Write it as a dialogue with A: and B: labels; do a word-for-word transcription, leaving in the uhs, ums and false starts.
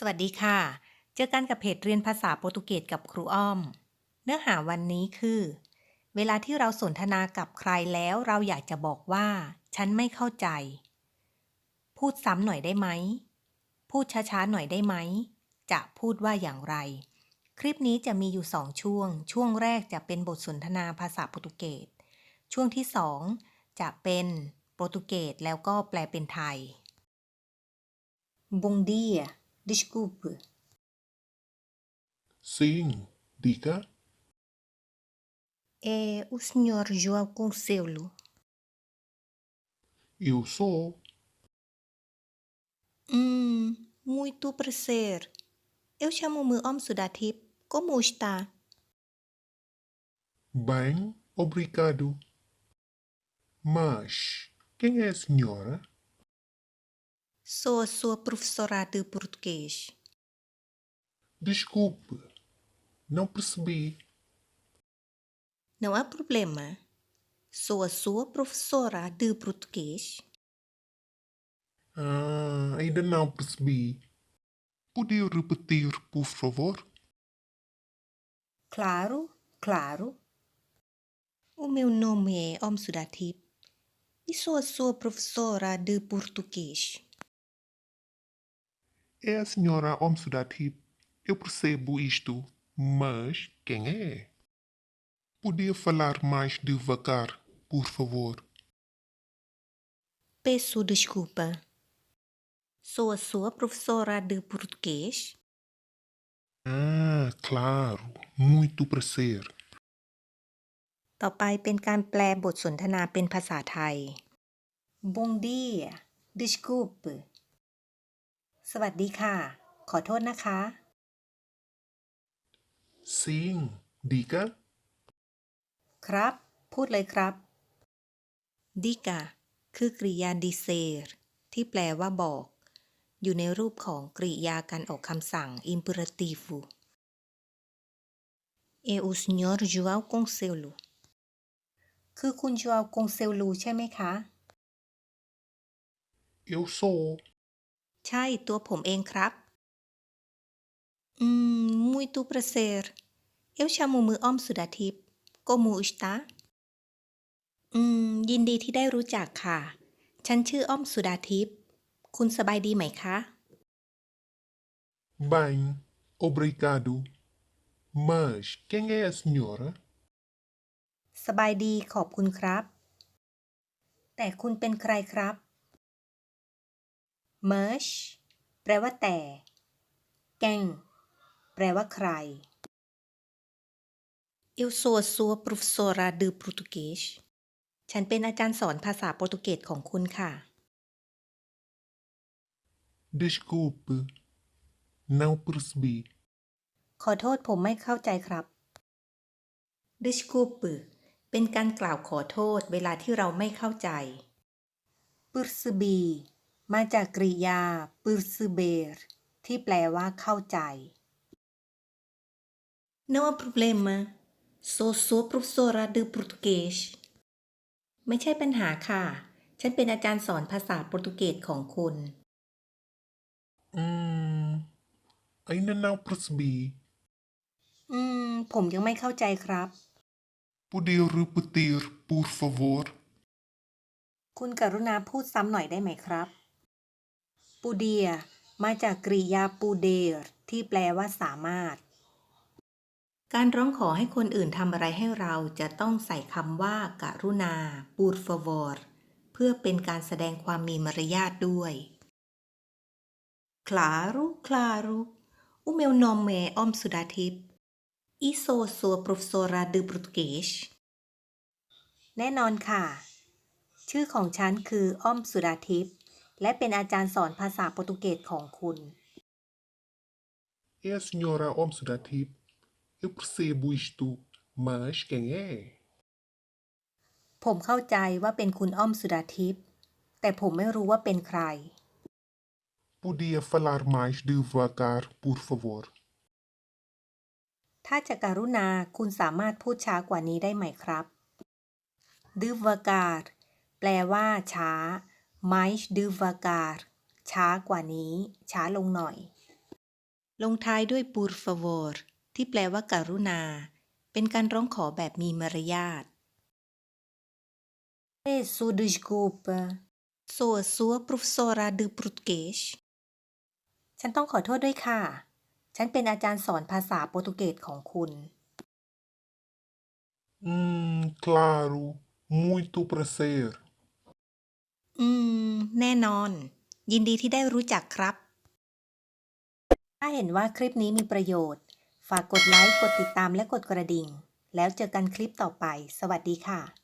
A: สวัสดีค่ะ เจอกันกับเพจเรียนภาษาโปรตุเกสกับครูอ้อม เนื้อหาวันนี้คือ เวลาที่เราสนทนากับใครแล้วเราอยากจะบอกว่า ฉันไม่เข้าใจ พูดซ้ำหน่อยได้ไหม พูดช้าๆหน่อยได้ไหม จะพูดว่าอย่างไร คลิปนี้จะมีอยู่สองช่วง ช่วงแรกจะเป็นบทสนทนาภาษาโปรตุเกส ช่วงที่สองจะเป็นโปรตุเกสแล้วก็แปลเป็นไทย Bom dia, desculpe.
B: Sim, diga.
A: É o senhor João Conselho.
B: Eu sou.
A: Hum, muito prazer. Eu chamo-me Om Sudatip. Como está?
B: Bem, obrigado. Mas quem é a senhora?
A: Sou a sua professora de português.
B: Desculpe, não percebi.
A: Não há problema. Sou a sua professora de português.
B: Ah, ainda não percebi. Podia repetir, por favor?
A: Claro, claro. O meu nome é Om Sudatip e sou a sua professora de português.
B: É a senhora Omsudatip. Eu percebo isto, mas quem é? Podia falar mais devagar, por favor?
A: Peço desculpa. Sou a sua professora de português.
B: Ah, claro. Muito prazer.
A: ต่อไปเป็นการแปลบทสนทนาเป็นภาษาไทย Bom dia, desculpe. สวัสดีค่ะ ขอโทษนะคะ
B: Sim, diga.
A: ครับ พูดเลยครับ Diga คือกริยา dizer ที่แปลว่าบอก อยู่ในรูปของกริยาการออกคำสั่ง imperativo. É o senhor João Conselho. คือคุณ João Conselho ใช่ไหมคะ
B: Eu sou.
A: ใช่ตัวผมเองครับ Hum, muito prazer. Eu chamo-me Om Sudatip. Como está? อืม ยินดีที่ได้รู้จักค่ะ ฉันชื่ออ้อมสุดาทิพย์ คุณสบายดีไหมคะ
B: Bem, obrigado. Mas quem é a senhora?
A: สบายดีขอบคุณครับ แต่คุณเป็นใครครับ Mas แปลว่าแต่ Quem แปลว่าใคร Eu sou a sua professora de português. ฉันเป็นอาจารย์สอนภาษาโปรตุเกสของคุณค่ะ
B: Desculpe, não percebi.
A: ขอโทษผมไม่เข้าใจครับ Desculpe เป็นการกล่าวขอโทษเวลาที่เราไม่เข้าใจ Percebi มาจากกริยา perceber ที่แปลว่าเข้าใจ Não há problema. Sou sua professora de português. ไม่ใช่ปัญหาค่ะ ฉันเป็นอาจารย์สอนภาษาโปรตุเกสของคุณ
B: Hum, ainda não percebi.
A: อืม ผมยังไม่เข้าใจครับ
B: Podia repetir, por favor?
A: คุณกรุณาพูดซ้ำหน่อยได้ไหมครับ Podia มาจากกริยา poder ที่แปลว่าสามารถ การร้องขอให้คนอื่นทำอะไรให้เราจะต้องใส่คำว่าการุณา por favor เพื่อเป็นการแสดงความมีมารยาทด้วย Claro, claro. O meu nome é Om Sudatip e sou sua professora de português. แน่นอนค่ะ ชื่อของฉันคืออ้อมสุดาทิพย์และเป็นอาจารย์สอนภาษาโปรตุเกสของคุณ
B: É a senhora Omsudatip. Eu percebo isto, mas quem é?
A: ผมเข้าใจว่าเป็นคุณอ้อมสุดาทิพย์แต่ผมไม่รู้ว่าเป็นใคร
B: Podia falar mais devagar, por favor?
A: ถ้าจะการุณาคุณสามารถพูดช้ากว่านี้ได้ไหมครับ devagar แปลว่าช้า mais devagar ช้ากว่านี้ ช้าลงหน่อยลงท้ายด้วย por favor ที่แปลว่าการุณา เป็นการร้องขอแบบมีมารยาท Peço desculpa sou a sua professora de português ฉันต้องขอโทษด้วยค่ะ ฉันเป็นอาจารย์สอนภาษาโปรตุเกสของคุณ
B: Hum, claro, muito prazer.
A: อืม แน่นอน ยินดีที่ได้รู้จักครับ ถ้าเห็นว่าคลิปนี้มีประโยชน์ ฝากกดไลค์ กดติดตามและกดกระดิ่ง แล้วเจอกันคลิปต่อไป สวัสดีค่ะ